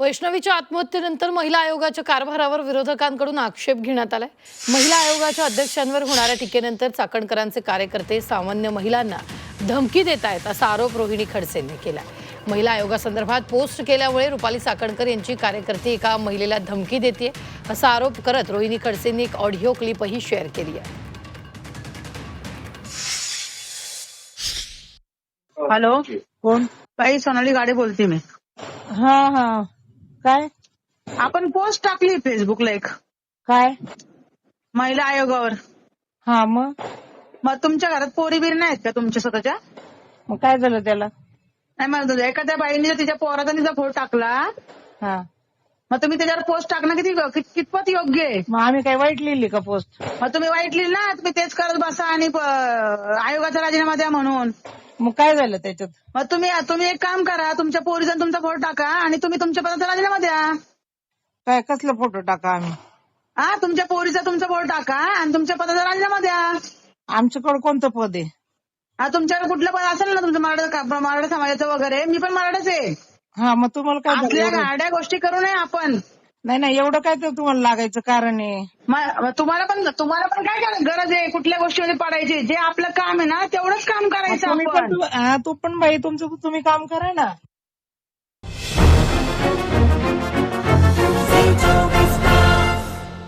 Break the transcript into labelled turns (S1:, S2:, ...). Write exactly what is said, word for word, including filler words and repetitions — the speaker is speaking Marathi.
S1: वैष्णवीच्या आत्महत्येनंतर महिला आयोगाच्या कारभारावर विरोधकांकडून आक्षेप घेण्यात आलाय। महिला आयोगाच्या अध्यक्षांवर होणाऱ्या टीकेनंतर चाकणकरांचे कार्यकर्ते सामान्य महिलांना धमकी देत आहेत असा आरोप रोहिणी खडसेंनी केलाय। महिला आयोगासंदर्भात पोस्ट केल्यामुळे रुपाली चाकणकर यांची कार्यकर्ती एका महिलेला धमकी देते असा आरोप करत रोहिणी खडसेंनी एक ऑडिओ क्लिपही शेअर केली आहे।
S2: हॅलो,
S3: कोण?
S2: बाई सोनाली गाडे बोलते मी।
S3: हा हा काय
S2: आपण पोस्ट टाकली फेसबुकला एक
S3: काय
S2: महिला आयोगावर।
S3: हा मग
S2: मग तुमच्या घरात पोरी बिरी नाहीत का तुमच्या स्वतःच्या?
S3: मग काय झालं त्याला?
S2: नाही मला एखाद्या बाईने जर तिच्या पोराचा तिचा फोटो टाकला
S3: हा
S2: मग तुम्ही त्याच्यावर पोस्ट टाकणं किती कित- कितपत योग्य आहे?
S3: मग आम्ही काय वाईट लिहिली का पोस्ट?
S2: मग तुम्ही वाईट लिहिलं ना, तुम्ही तेच करत बसा आणि प- आयोगाचा राजीनामा द्या म्हणून।
S3: मग काय झालं त्याच्यात?
S2: मग तुम्ही तुम्ही एक काम करा, तुमच्या पोरीचा तुमचा फोटो टाका आणि तुम्ही तुमच्या पदाचा राजीनामा द्या।
S3: काय कसला फोटो टाका आम्ही?
S2: हा, तुमच्या पोरीचा तुमचा फोटो टाका आणि तुमच्या पदाचा राजीनामा द्या।
S3: आमच्याकडे कोणतं पद आहे?
S2: हा, तुमच्याकडे कुठलं पद असेल ना तुमचं मराठा मराठा समाजाचं वगैरे, मी पण मराठाच आहे।
S3: हा मग तुम्हाला काय झालं
S2: आपल्या
S3: एवढं?
S2: गाड्या गोष्टी करू नये आपण।
S3: नाही नाही एवढं काय तर तुम्हाला लागायचं कारण आहे?
S2: म- तुम्हाला पण तुम्हाला पण काय करायचं गरज आहे कुठल्या गोष्टीमध्ये पडायची? जे आपलं काम आहे ना तेवढंच काम करायचं
S3: तुम्ही पण
S2: आपण।
S3: तू- हा, तू पण बाई तुमचं तुम्ही काम करा ना।